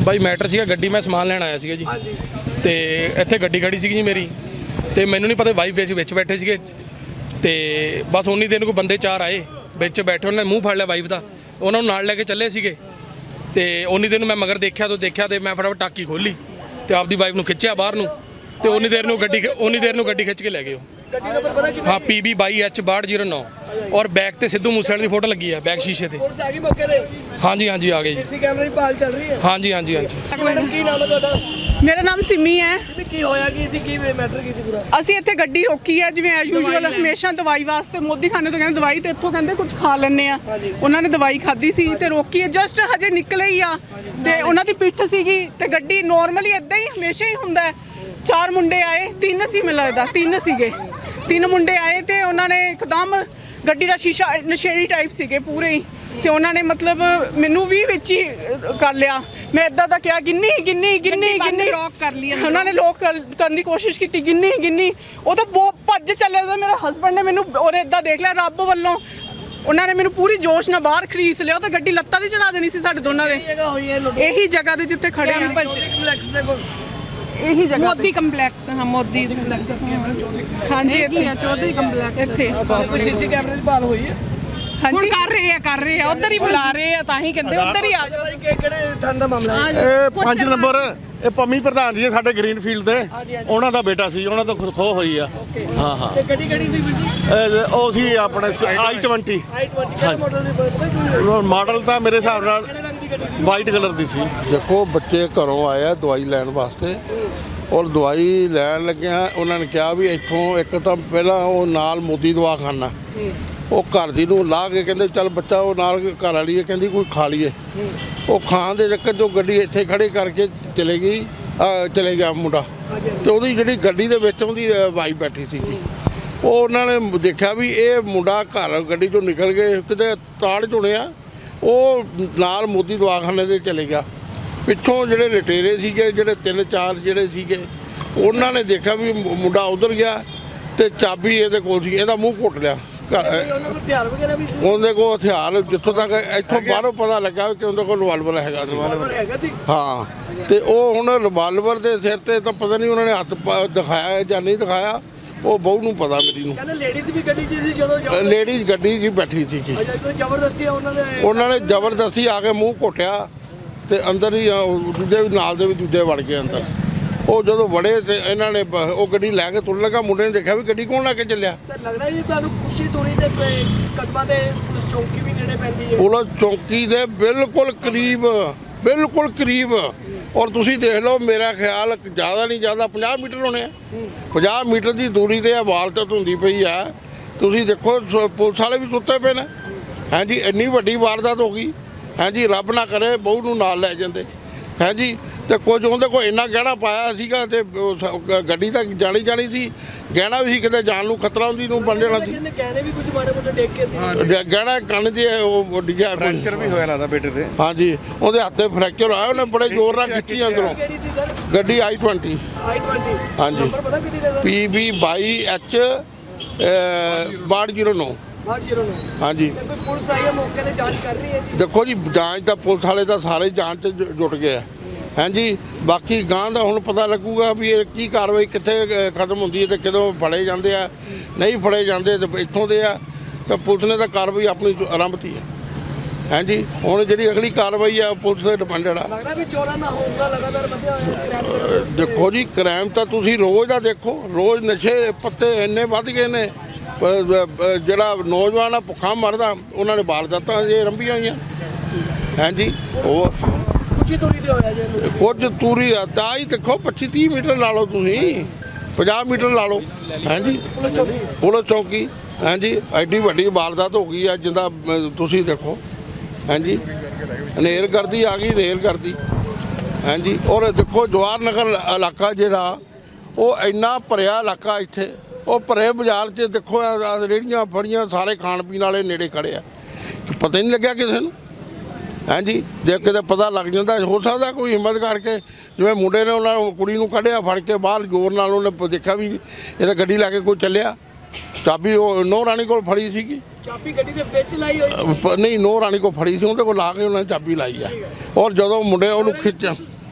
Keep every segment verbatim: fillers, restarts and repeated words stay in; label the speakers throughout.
Speaker 1: ਬਾਈ matter ਸੀਗਾ ਗੱਡੀ ਮੈਂ ਸਮਾਨ ਲੈਣ ਆਇਆ ਸੀਗਾ ਜੀ ਤੇ ਇੱਥੇ ਗੱਡੀ ਖੜੀ ਸੀਗੀ ਜੀ ਮੇਰੀ ਤੇ ਮੈਨੂੰ ਨਹੀਂ ਪਤਾ ਵਾਈਫ ਵਿੱਚ ਵਿੱਚ ਬੈਠੇ ਸੀਗੇ ਤੇ ਬਸ ਉਨੀ ਦਿਨ ਕੋਈ ਬੰਦੇ ਚਾਰ ਆਏ ਵਿੱਚ ਬੈਠੇ ਉਹਨਾਂ ਨੇ ਮੂੰਹ ਫੜ ਲਿਆ ਵਾਈਫ ਦਾ ਉਹਨਾਂ ਨੂੰ ਨਾਲ ਲੈ ਕੇ ਚੱਲੇ ਸੀਗੇ ਤੇ ਉਨੀ ਦਿਨ ਮੈਂ ਮਗਰ ਦੇਖਿਆ ਤੋਂ ਦੇਖਿਆ ਤੇ ਮੈਂ ਫਟਾਫਟ ਟਾਕੀ ਖੋਲੀ ਤੇ ਆਪਦੀ ਵਾਈਫ ਨੂੰ ਖਿੱਚਿਆ ਬਾਹਰ ਨੂੰ ਤੇ ਉਨੀ ਦੇਰ ਨੂੰ ਗੱਡੀ ਉਨੀ ਦੇਰ ਨੂੰ ਗੱਡੀ ਖਿੱਚ ਕੇ ਲੈ ਗਏ ਉਹ। हाँ पी बी बाई एच बाहठ जीरो नौ और बैग ते सिद्धू मूसेवाले की फोटो लगी है बैग शीशे ते। हाँ जी हाँ जी आ गई जी।
Speaker 2: कैमरे की भाल चल रही है।
Speaker 1: हाँ जी हाँ जी हाँ जी।
Speaker 2: मैडम की नाम है ਤੁਹਾਡਾ?
Speaker 3: मेरा नाम सिमी है।
Speaker 2: ਕੀ ਹੋਇਆ ਕੀ ਸੀ ਕੀ ਮੈਟਰ ਕੀ ਸੀ ਪੂਰਾ?
Speaker 3: ਅਸੀਂ ਇੱਥੇ ਗੱਡੀ ਰੋਕੀ ਹੈ ਜਿਵੇਂ ਐਸ ਯੂਜੂਅਲ ਹਮੇਸ਼ਾ ਦਵਾਈ ਵਾਸਤੇ ਮੋਦੀ ਖਾਨੇ ਤੋਂ ਕਹਿੰਦੇ ਦਵਾਈ ਤੇ ਇੱਥੋਂ ਕਹਿੰਦੇ ਕੁਝ ਖਾ ਲੈਣੇ ਆ ਉਹਨਾਂ ਨੇ ਦਵਾਈ ਖਾਧੀ ਸੀ ਤੇ ਰੋਕੀ ਹੈ ਜਸਟ ਹਜੇ ਨਿਕਲੇ ਹੀ ਆ ਤੇ ਉਹਨਾਂ ਦੀ ਪਿੱਠ ਸੀਗੀ ਤੇ ਗੱਡੀ ਨੋਰਮਲੀ ਇਦਾਂ ਹੀ ਹਮੇਸ਼ਾ ਹੀ ਹੁੰਦਾ ਚਾਰ ਮੁੰਡੇ ਆਏ ਤਿੰਨ ਸੀ ਮੈਨੂੰ ਲੱਗਦਾ ਤਿੰਨ ਸੀਗੇ ਤਿੰਨ ਮੁੰਡੇ ਆਏ ਤੇ ਉਹਨਾਂ ਨੇ ਇੱਕਦਮ ਗੱਡੀ ਦਾ ਸ਼ੀਸ਼ਾ ਨਸ਼ੇੜੀ ਟਾਈਪ ਸੀਗੇ ਪੂਰੇ ਹੀ ਤੇ ਉਹਨਾਂ ਨੇ ਮਤਲਬ ਮੈਨੂੰ ਵੀ ਵਿੱਚ ਹੀ ਕਰ ਲਿਆ ਮੈਂ ਇਦਾਂ ਦਾ ਕਿਹਾ ਗਿੰਨੀ ਗਿੰਨੀ ਗਿੰਨੀ ਗਿੰਨੀ ਲੋਕ ਕਰ ਲਈ ਉਹਨਾਂ ਨੇ ਲੋਕ ਕਰਨ ਦੀ ਕੋਸ਼ਿਸ਼ ਕੀਤੀ ਗਿੰਨੀ ਗਿੰਨੀ ਉਹ ਤਾਂ ਬਹੁਤ ਭੱਜ ਚੱਲਿਆ ਸੀ ਮੇਰਾ ਹਸਬੰਡ ਨੇ ਮੈਨੂੰ ਉਹਨੇ ਇਦਾਂ ਦੇਖ ਲਿਆ ਰੱਬ ਵੱਲੋਂ ਉਹਨਾਂ ਨੇ ਮੈਨੂੰ ਪੂਰੀ ਜੋਸ਼ ਨਾਲ ਬਾਹਰ ਖਰੀਦ ਲਿਆ ਉਹ ਤਾਂ ਗੱਡੀ ਲੱਤਾਂ ਦੀ ਚੜਾ ਦੇਣੀ ਸੀ ਸਾਡੇ ਦੋਨਾਂ ਦੇ ਇਹੀ ਜਗ੍ਹਾ ਤੇ ਜਿੱਥੇ ਖੜੇ ਆ ਇਹੀ ਜਗ੍ਹਾ ਮੋਦੀ ਕੰਪਲੈਕਸ ਹਾਂ ਮੋਦੀ ਕੰਪਲੈਕਸ ਹਾਂਜੀ ਇੱਥੇ ਚੌਧਰੀ ਕੰਪਲੈਕਸ ਇੱਥੇ
Speaker 2: ਕੋਈ ਸੀਸੀ ਕੈਮਰੇ ਦੀ ਭਾਲ ਹੋਈ ਹੈ?
Speaker 3: ਹਾਂਜੀ ਕਰ ਰਹੇ ਆ ਕਰ ਰਹੇ ਆ ਉਧਰ ਹੀ ਬੁਲਾ ਰਹੇ ਆ ਤਾਂ ਹੀ ਕਹਿੰਦੇ ਉਧਰ ਹੀ ਆ ਜਾਓ
Speaker 2: ਕਿਹੜੇ ਠੰਡ ਦਾ ਮਾਮਲਾ ਹੈ?
Speaker 4: ਇਹ ਪੰਜ ਨੰਬਰ ਇਹ ਪੰਮੀ ਪ੍ਰਧਾਨ ਜੀ ਸਾਡੇ ਗ੍ਰੀਨ ਫੀਲਡ ਦੇ ਉਹਨਾਂ ਦਾ ਬੇਟਾ ਸੀ ਉਹਨਾਂ ਤੋਂ ਖੋ ਹੋਈ ਆ ਹਾਂ ਹਾਂ
Speaker 2: ਤੇ ਗੱਡੀ ਕਿਹੜੀ ਸੀ ਵੀਰ ਜੀ?
Speaker 4: ਇਹ ਉਹ ਸੀ ਆਪਣੇ ਆਈ ਟਵੰਟੀ
Speaker 2: ਆਈ ਟਵੰਟੀ ਕਿਹੜੇ ਮਾਡਲ ਦੀ ਪਤਾ ਕੀ
Speaker 4: ਮਾਡਲ ਤਾਂ ਮੇਰੇ ਹਿਸਾਬ ਨਾਲ
Speaker 2: ਕਿਹੜੇ ਰੰਗ ਦੀ ਗੱਡੀ ਸੀ?
Speaker 4: ਵਾਈਟ ਕਲਰ ਦੀ ਸੀ।
Speaker 5: ਦੇਖੋ ਬੱਚੇ ਘਰੋਂ ਆਇਆ ਦਵਾਈ ਲੈਣ ਵਾਸਤੇ ਔਰ ਦਵਾਈ ਲੈਣ ਲੱਗਿਆ ਉਹਨਾਂ ਨੇ ਕਿਹਾ ਵੀ ਇੱਥੋਂ ਇੱਕ ਤਾਂ ਪਹਿਲਾਂ ਉਹ ਨਾਲ ਮੋਦੀ ਦਵਾਖਾਨਾ ਉਹ ਘਰ ਦੀ ਨੂੰ ਲਾ ਕੇ ਕਹਿੰਦੇ ਚੱਲ ਬੱਚਾ ਉਹ ਨਾਲ ਘਰ ਵਾਲੀ ਹੈ ਕਹਿੰਦੀ ਕੋਈ ਖਾ ਲਈਏ ਉਹ ਖਾਣ ਦੇ ਚੱਕਰ 'ਚ ਗੱਡੀ ਇੱਥੇ ਖੜੀ ਕਰਕੇ ਚਲੇ ਗਈ ਚਲੇ ਗਿਆ ਮੁੰਡਾ ਤੇ ਉਹਦੀ ਜਿਹੜੀ ਗੱਡੀ ਦੇ ਵਿੱਚ ਉਹਦੀ ਵਾਈਫ ਬੈਠੀ ਸੀਗੀ ਉਹ ਉਹਨਾਂ ਨੇ ਦੇਖਿਆ ਵੀ ਇਹ ਮੁੰਡਾ ਘਰ ਗੱਡੀ 'ਚੋਂ ਨਿਕਲ ਕੇ ਕਿਤੇ ਤਾੜ ਚੁਣਿਆ ਉਹ ਨਾਲ ਮੋਦੀ ਦਵਾਖਾਨੇ ਦੇ ਚਲੇ ਗਿਆ ਪਿੱਛੋਂ ਜਿਹੜੇ ਲਟੇਰੇ ਸੀਗੇ ਜਿਹੜੇ ਤਿੰਨ ਚਾਰ ਜਿਹੜੇ ਸੀਗੇ ਉਹਨਾਂ ਨੇ ਦੇਖਿਆ ਵੀ ਮੁੰਡਾ ਉਧਰ ਗਿਆ ਤੇ ਚਾਬੀ ਇਹਦੇ ਕੋਲ ਸੀ ਇਹਦਾ ਮੂੰਹ ਘੁੱਟ ਲਿਆ
Speaker 2: ਹਥਿਆਰ ਵਗੈਰਾ ਵੀ ਸੀ?
Speaker 5: ਉਹਦੇ ਕੋਲ ਹਥਿਆਰ ਜਿੱਥੋਂ ਤੱਕ ਇੱਥੋਂ ਬਾਹਰੋਂ ਪਤਾ ਲੱਗਾ ਕਿ ਉਹਦੇ ਕੋਲ ਰਿਵਾਲਵਰ ਹੈਗਾ
Speaker 2: ਹੈਗਾ ਸੀ?
Speaker 5: ਹਾਂ ਤੇ ਉਹ ਹੁਣ ਰਿਵਾਲਵਰ ਦੇ ਸਿਰ ਤੇ ਤਾਂ ਪਤਾ ਨਹੀਂ ਉਹਨਾਂ ਨੇ ਹੱਥ ਦਿਖਾਇਆ ਜਾਂ ਨਹੀਂ ਦਿਖਾਇਆ ਉਹ ਬਹੂ ਨੂੰ ਪਤਾ ਮੇਰੀ ਨੂੰ
Speaker 2: ਕਹਿੰਦੇ ਲੇਡੀਜ਼ ਵੀ ਗੱਡੀ 'ਚ ਸੀ ਜਦੋਂ
Speaker 5: ਲੇਡੀਜ਼ ਗੱਡੀ 'ਚ ਬੈਠੀ ਸੀ
Speaker 2: ਜ਼ਬਰਦਸਤੀ ਉਹਨਾਂ ਨੇ
Speaker 5: ਉਹਨਾਂ ਨੇ ਜ਼ਬਰਦਸਤੀ ਆ ਕੇ ਮੂੰਹ ਘੋਟਿਆ ਤੇ ਅੰਦਰ ਹੀ ਦੂਜੇ ਵੀ ਨਾਲ ਦੇ ਵੀ ਦੂਜੇ ਵੜ ਗਏ ਅੰਦਰ ਉਹ ਜਦੋਂ ਵੜੇ ਤੇ ਇਹਨਾਂ ਨੇ ਉਹ ਗੱਡੀ ਲੈ ਕੇ ਤੁਰਨ ਲੱਗਾ ਮੁੰਡੇ ਨੇ ਦੇਖਿਆ ਵੀ ਗੱਡੀ ਕੌਣ ਲੈ ਕੇ ਚੱਲਿਆ
Speaker 2: ਤਾਂ ਲੱਗਦਾ ਜੀ ਤੁਹਾਨੂੰ ਖੁਸ਼ੀ ਤੋਰੀ ਦੇ ਕਦਮਾਂ ਦੇ ਪੁਲਿਸ ਚੌਂਕੀ ਵੀ ਨੇੜੇ ਪੈਂਦੀ ਹੈ
Speaker 5: ਪੁਲਿਸ ਚੌਂਕੀ ਦੇ ਬਿਲਕੁਲ ਕਰੀਬ ਬਿਲਕੁਲ ਕਰੀਬ ਔਰ ਤੁਸੀਂ ਦੇਖ ਲਓ ਮੇਰਾ ਖਿਆਲ ਜ਼ਿਆਦਾ ਨਹੀਂ ਜ਼ਿਆਦਾ ਪੰਜਾਹ ਮੀਟਰ ਹੋਣੇ ਆ ਪੰਜਾਹ ਮੀਟਰ ਦੀ ਦੂਰੀ ਤੇ ਵਾਰਦਾਤ ਹੁੰਦੀ ਪਈ ਆ ਤੁਸੀਂ ਦੇਖੋ ਪੁਲਿਸ ਵਾਲੇ ਵੀ ਸੁੱਤੇ ਪਏ ਨੇ ਹਾਂਜੀ ਇੰਨੀ ਵੱਡੀ ਵਾਰਦਾਤ ਹੋ ਗਈ ਹਾਂਜੀ ਰੱਬ ਨਾ ਕਰੇ ਬਹੂ ਨੂੰ ਨਾਲ ਲੈ ਜਾਂਦੇ ਹਾਂਜੀ ਤੇ ਕੁਝ ਉਹਦੇ ਕੋਲ ਇੰਨਾ ਗਹਿਣਾ ਪਾਇਆ ਸੀਗਾ ਤੇ ਗੱਡੀ ਤਾਂ ਜਾਣੀ ਜਾਣੀ ਸੀ ਗਹਿਣਾ ਵੀ ਸੀ ਕਿਤੇ ਜਾਨ ਨੂੰ ਖਤਰਾ ਹੁੰਦੀ ਨੂੰ ਬਣ ਜਾਣਾ ਸੀ
Speaker 2: ਗਹਿਣੇ ਵੀ ਕੁਝ ਮਾੜੇ ਮੋਟੇ ਡੇਕ ਕੇ
Speaker 5: ਗਹਿਣਾ ਕੰਨ ਦੇ ਉਹ ਡਿੱਗਿਆ
Speaker 4: ਫ੍ਰੈਕਚਰ ਵੀ ਹੋਇਆ ਲੱਗਦਾ ਬੇਟੇ ਤੇ
Speaker 5: ਹਾਂਜੀ ਉਹਦੇ ਹੱਥੇ ਫ੍ਰੈਕਚਰ ਆਇਆ ਉਹਨੇ ਬੜੇ ਜ਼ੋਰ ਨਾਲ ਖਿੱਚੀ ਅੰਦਰੋਂ ਗੱਡੀ ਆਈ ਟਵੰਟੀ
Speaker 2: ਆਈ ਟਵੰਟੀ
Speaker 5: ਹਾਂਜੀ ਪੀ ਬੀ ਬਾਈ ਐਚ ਬਾਹਠ ਜੀਰੋ ਨੌ ਹਾਂਜੀ
Speaker 2: ਪੁਲਿਸ ਆਈ ਹੈ ਮੌਕੇ ਤੇ ਜਾਂਚ ਕਰ ਰਹੀ ਹੈ ਜੀ
Speaker 5: ਦੇਖੋ ਜੀ ਜਾਂਚ ਤਾਂ ਪੁਲਿਸ ਵਾਲੇ ਤਾਂ ਸਾਰੇ ਜਾਂਚ 'ਚ ਜੁਟ ਗਏ ਆ ਹਾਂਜੀ ਬਾਕੀ ਗਾਂ ਦਾ ਹੁਣ ਪਤਾ ਲੱਗੂਗਾ ਵੀ ਇਹ ਕੀ ਕਾਰਵਾਈ ਕਿੱਥੇ ਖਤਮ ਹੁੰਦੀ ਹੈ ਤੇ ਕਦੋਂ ਫੜੇ ਜਾਂਦੇ ਆ ਨਹੀਂ ਫੜੇ ਜਾਂਦੇ ਤੇ ਇੱਥੋਂ ਦੇ ਆ ਤਾਂ ਪੁਲਿਸ ਨੇ ਤਾਂ ਕਾਰਵਾਈ ਆਪਣੀ ਆਰੰਭਤੀ ਹੈ ਹਾਂਜੀ ਹੁਣ ਜਿਹੜੀ ਅਗਲੀ ਕਾਰਵਾਈ ਆ ਪੁਲਿਸ ਤੇ ਡਿਪੈਂਡਡ ਆ
Speaker 2: ਲੱਗਦਾ ਵੀ ਚੋਰਾਂ ਦਾ ਹੌਸਲਾ ਲਗਾਤਾਰ ਵਧਿਆ ਹੋਇਆ
Speaker 5: ਦੇਖੋ ਜੀ ਕ੍ਰਾਈਮ ਤਾਂ ਤੁਸੀਂ ਰੋਜ਼ ਦਾ ਦੇਖੋ ਰੋਜ਼ ਨਸ਼ੇ ਪੱਤੇ ਇੰਨੇ ਵੱਧ ਗਏ ਨੇ ਜਿਹੜਾ ਨੌਜਵਾਨ ਆ ਭੁੱਖਾ ਮਰਦਾ ਉਹਨਾਂ ਨੇ ਵਾਰਦਾਤਾਂ ਜੇ ਆਰੰਭੀਆਂ ਹੋਈਆਂ ਹਾਂਜੀ ਹੋਰ
Speaker 2: ਖੁਸ਼ੀ ਤੋਰੀ ਤੇ ਹੋਇਆ ਜੀ
Speaker 5: ਕੁਝ ਤੂਰੀ ਆ ਤਾਂ ਹੀ ਦੇਖੋ ਪੱਚੀ ਤੀਹ ਮੀਟਰ ਲਾ ਲਓ ਤੁਸੀਂ ਪੰਜਾਹ ਮੀਟਰ ਲਾ ਲਓ ਹਾਂਜੀ ਪੁਲਿਸ ਚੌਂਕੀ ਹਾਂਜੀ ਐਡੀ ਵੱਡੀ ਵਾਰਦਾਤ ਹੋ ਗਈ ਆ ਜਿੰਦਾ ਤੁਸੀਂ ਦੇਖੋ ਹਾਂਜੀ ਹਨੇਰ ਕਰਦੀ ਆ ਗਈ ਹਨੇਰ ਕਰਦੀ ਹਾਂਜੀ ਔਰ ਦੇਖੋ ਜਵਾਹਰ ਨਗਰ ਇਲਾਕਾ ਜਿਹੜਾ ਉਹ ਇੰਨਾ ਭਰਿਆ ਇਲਾਕਾ ਇੱਥੇ ਉਹ ਭਰੇ ਬਾਜ਼ਾਰ 'ਚ ਦੇਖੋ ਰੇਹੜੀਆਂ ਫੜੀਆਂ ਸਾਰੇ ਖਾਣ ਪੀਣ ਵਾਲੇ ਨੇੜੇ ਖੜੇ ਆ ਪਤਾ ਹੀ ਨਹੀਂ ਲੱਗਿਆ ਕਿਸੇ ਨੂੰ ਹਾਂਜੀ ਜੇ ਕਿਤੇ ਪਤਾ ਲੱਗ ਜਾਂਦਾ ਹੋ ਸਕਦਾ ਕੋਈ ਹਿੰਮਤ ਕਰਕੇ ਜਿਵੇਂ ਮੁੰਡੇ ਨੇ ਉਹਨਾਂ ਕੁੜੀ ਨੂੰ ਕੱਢਿਆ ਫੜ ਕੇ ਬਾਹਰ ਜ਼ੋਰ ਨਾਲ ਉਹਨੇ ਦੇਖਿਆ ਵੀ ਇਹ ਤਾਂ ਗੱਡੀ ਲੈ ਕੇ ਕੋਈ ਚੱਲਿਆ ਚਾਬੀ ਉਹ ਨੋ ਰਾਣੀ ਕੋਲ ਫੜੀ ਸੀਗੀ
Speaker 2: ਚਾਬੀ ਗੱਡੀ ਦੇ ਵਿੱਚ ਲਾਈ ਹੋਈ
Speaker 5: ਨਹੀਂ ਨੋ ਰਾਣੀ ਕੋਲ ਫੜੀ ਸੀ ਉਹਦੇ ਕੋਲ ਲਾ ਕੇ ਉਹਨਾਂ ਨੇ ਚਾਬੀ ਲਾਈ ਆ ਔਰ ਜਦੋਂ ਮੁੰਡੇ ਉਹਨੂੰ ਖਿੱਚ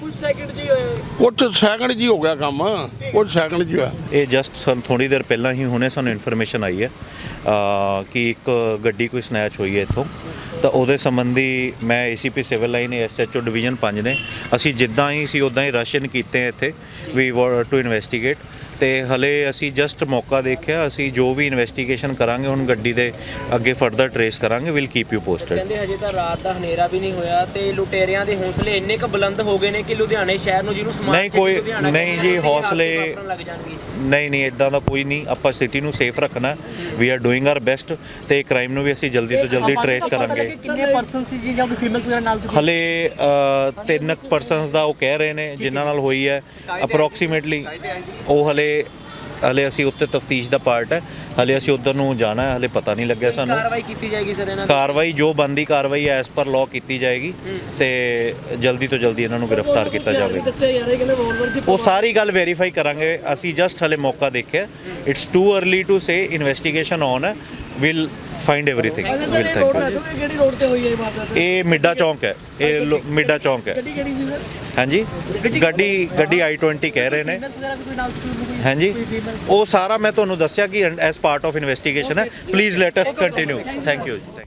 Speaker 2: ਕੁਝ ਸੈਕਿੰਡ ਜੀ ਹੋਏ।
Speaker 5: ਕੁਝ ਸੈਕਿੰਡ ਜੀ ਹੋ ਗਿਆ ਕੰਮ, ਕੁਝ ਸੈਕਿੰਡ ਜੀ ਹੋਇਆ।
Speaker 6: ਇਹ ਜਸਟ ਸਾਨੂੰ ਥੋੜੀ ਦੇਰ ਪਹਿਲਾਂ ਹੀ ਹੁਣੇ ਸਾਨੂੰ ਇਨਫੋਰਮੇਸ਼ਨ ਆਈ ਹੈ ਅ, ਕਿ ਇੱਕ ਗੱਡੀ ਕੋਈ ਸਨੈਚ ਹੋਈ ਹੈ ਇੱਥੋਂ, ਤਾਂ ਉਹਦੇ ਸੰਬੰਧੀ ਮੈਂ ACP civil line SHO division ਪੰਜ ਨੇ ਅਸੀਂ ਜਿੱਦਾਂ ਹੀ ਸੀ ਉਦਾਂ ਹੀ ਰਸ਼ਨ ਕੀਤੇ ਇੱਥੇ ਵੀ ਟੂ ਇਨਵੈਸਟੀਗੇਟ, ਤੇ ਹਲੇ ਅਸੀਂ ਜਸਟ ਮੌਕਾ ਦੇਖਿਆ। ਅਸੀਂ ਜੋ ਵੀ ਇਨਵੈਸਟੀਗੇਸ਼ਨ ਕਰਾਂਗੇ ਹੁਣ ਗੱਡੀ ਦੇ ਅੱਗੇ ਫਰਦਰ ਟਰੇਸ ਕਰਾਂਗੇ, ਵਿਲ ਕੀਪ ਯੂ ਪੋਸਟਡ।
Speaker 7: ਕਹਿੰਦੇ ਹਜੇ ਤਾਂ ਰਾਤ ਦਾ ਹਨੇਰਾ ਵੀ ਨਹੀਂ ਹੋਇਆ ਤੇ ਲੁਟੇਰਿਆਂ ਦੇ ਹੌਸਲੇ ਇੰਨੇ ਕੁ ਬੁਲੰਦ ਹੋ ਗਏ ਨੇ ਕਿ ਲੁਧਿਆਣੇ ਸ਼ਹਿਰ ਨੂੰ ਜਿਹਨੂੰ ਸਮਾਰਟ
Speaker 6: ਨਹੀਂ
Speaker 7: ਸਿਟੀ
Speaker 6: ਕੋਈ
Speaker 7: ਲੁਧਿਆਣਾ
Speaker 6: ਨਹੀਂ
Speaker 7: ਕਹਿੰਦੇ
Speaker 6: ਜੀ,
Speaker 7: ਨੇ,
Speaker 6: ਹੌਸਲੇ
Speaker 7: ਵਾਪਰਨ ਲੱਗ ਜਾਣਗੇ।
Speaker 6: ਨਹੀਂ ਨਹੀਂ ਇਦਾਂ ਦਾ ਕੋਈ ਨਹੀਂ। ਆਪਾਂ ਸਿਟੀ ਨੂੰ ਸੇਫ ਰੱਖਣਾ, we are doing our best, ਤੇ ਕ੍ਰਾਈਮ ਨੂੰ ਵੀ ਅਸੀਂ ਜਲਦੀ ਤੋਂ ਜਲਦੀ ਟਰੇਸ ਕਰਾਂਗੇ।
Speaker 2: ਕਿੰਨੇ ਪਰਸਨ ਸੀ ਜੀ ਜਾਂ ਕੋਈ ਫੇਮਸ ਵਗੈਰਾ ਨਾਲ ਸੀ?
Speaker 6: ਹਲੇ ਅ, ਤਿੰਨ ਪਰਸਨਸ ਦਾ ਉਹ ਕਹਿ ਰਹੇ ਨੇ ਜਿਨ੍ਹਾਂ ਨਾਲ ਹੋਈ ਹੈ ਅਪਰੋਕਸੀਮੇਟਲੀ। ਉਹ ਹਲੇ ਹਲੇ ਅਸੀਂ ਉੱਤੇ ਤਫਤੀਸ਼ ਦਾ ਪਾਰਟ ਹੈ, ਹਲੇ ਅਸੀਂ ਉੱਧਰ ਨੂੰ ਜਾਣਾ ਹੈ, ਹਲੇ ਪਤਾ ਨਹੀਂ ਲੱਗਿਆ ਸਾਨੂੰ।
Speaker 7: ਕਾਰਵਾਈ ਕੀਤੀ ਜਾਏਗੀ ਸਰ ਇਹਨਾਂ ਤੇ?
Speaker 6: ਕਾਰਵਾਈ ਜੋ ਬੰਦੀ ਕਾਰਵਾਈ ਐਸ ਪਰ ਲਾਅ ਕੀਤੀ ਜਾਏਗੀ ਤੇ ਜਲਦੀ ਤੋਂ ਜਲਦੀ ਇਹਨਾਂ ਨੂੰ ਗ੍ਰਿਫਤਾਰ ਕੀਤਾ ਜਾਵੇ।
Speaker 2: ਦੱਸਿਆ ਯਾਰ ਇਹ ਕਹਿੰਦੇ ਵੋਲਵਰ ਦੀ
Speaker 6: ਉਹ ਸਾਰੀ ਗੱਲ ਵੈਰੀਫਾਈ ਕਰਾਂਗੇ ਅਸੀਂ, ਜਸਟ ਹਲੇ ਮੌਕਾ ਦੇਖਿਆ। It's too early to say, investigation on ਹੈ, ਵਿਲ ਫਾਈਂਡ ਐਵਰੀਥਿੰਗ।
Speaker 2: ਅੱਛਾ
Speaker 6: ਵਿਲ
Speaker 2: ਸਰ, ਇਹ ਰੋਡ
Speaker 6: ਥੈਂਕ
Speaker 2: ਹੈ
Speaker 6: ਯੂ।
Speaker 2: ਕਿ ਕਿਹੜੀ ਰੋਡ ਤੇ ਹੋਈ ਹੈ ਇਹ ਵਾਰਦਾਤ?
Speaker 6: ਇਹ ਮਿੱਡਾ ਚੌਂਕ ਹੈ, ਇਹ ਲੋ- ਮਿੱਡਾ ਚੌਂਕ ਹੈ।
Speaker 2: ਗੱਡੀ ਕਿਹੜੀ ਸੀ ਸਰ?
Speaker 6: ਹਾਂਜੀ ਗੱਡੀ ਗੱਡੀ ਆਈ ਟਵੈਂਟੀ ਕਹਿ ਰਹੇ ਨੇ।
Speaker 2: ਫੇਮਸ ਵਗੈਰਾ ਵੀ ਕੋਈ ਨਾਲ ਸੀ ਕੋਈ?
Speaker 6: ਹਾਂਜੀ ਉਹ ਸਾਰਾ ਮੈਂ ਤੁਹਾਨੂੰ ਦੱਸਿਆ ਕਿ ਐਸ ਪਾਰਟ ਆਫ ਇਨਵੈਸਟੀਗੇਸ਼ਨ ਹੈ। Please let us continue. Thank you ਜੀ।